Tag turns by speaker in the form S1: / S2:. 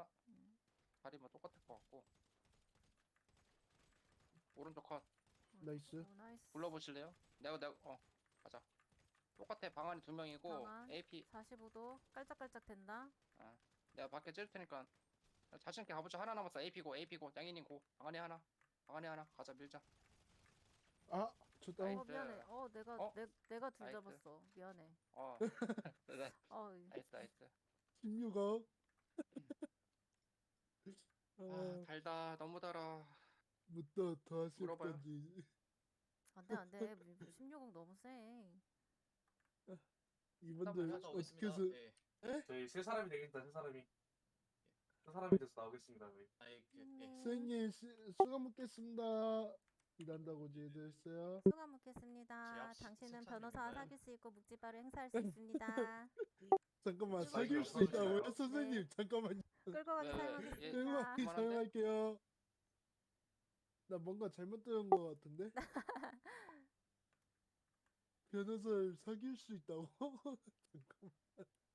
S1: 다리 뭐 똑같을 것 같고. 오른쪽 컷
S2: 나이스.
S3: 오, 나이스.
S1: 불러보실래요? 내가 가자. 똑같아. 방 안에 2명이고
S3: 방안.
S1: AP.
S3: 45도 깔짝깔짝 된다.
S1: 아, 내가 밖에 찔 테니까 자신 있게 가보자. 하나 남았어. AP고 양이님 고. 방 안에 하나. 방 안에 하나. 가자 밀자.
S2: 아, 저 다운.
S1: 나이스.
S3: 미안해. 내가
S1: 어?
S3: 내가 둘
S1: 나이스.
S3: 잡았어. 미안해.
S1: 네.
S3: 어,
S1: 나이스.
S2: 16억. 아,
S1: 달다. 너무 달아.
S2: 뭐더 하실
S1: 물어봐요.
S2: 건지.
S3: 안돼. 16억 너무 세.
S2: 이분들
S1: 하다
S4: 갔다
S2: 어떻게
S4: 오겠습니다.
S2: 해서
S4: 예.
S5: 저희 세 사람이 되겠다. 세 사람이. 세 사람이 돼서 나오겠습니다. 저희.
S4: 예.
S2: 선생님 수고 먹겠습니다. 일한다고 제대했어요.
S3: 수고 묻겠습니다.
S4: 제
S3: 당신은
S4: 칭찬
S3: 변호사와
S4: 드립니다요?
S3: 사귈 수 있고 묵지바로 행사할 수 있습니다.
S2: 잠깐만
S4: 좀
S2: 사귈 수
S5: 없어지나요?
S2: 있다고요? 선생님
S3: 네.
S2: 잠깐만요.
S3: 끌고 가기
S1: 왜,
S3: 사용하겠습니다.
S2: 끌고 가기
S1: 그만한데?
S2: 사용할게요. 나 뭔가 잘못 들은 것 같은데? 변호사를 사귈 수 있다고? 잠깐만.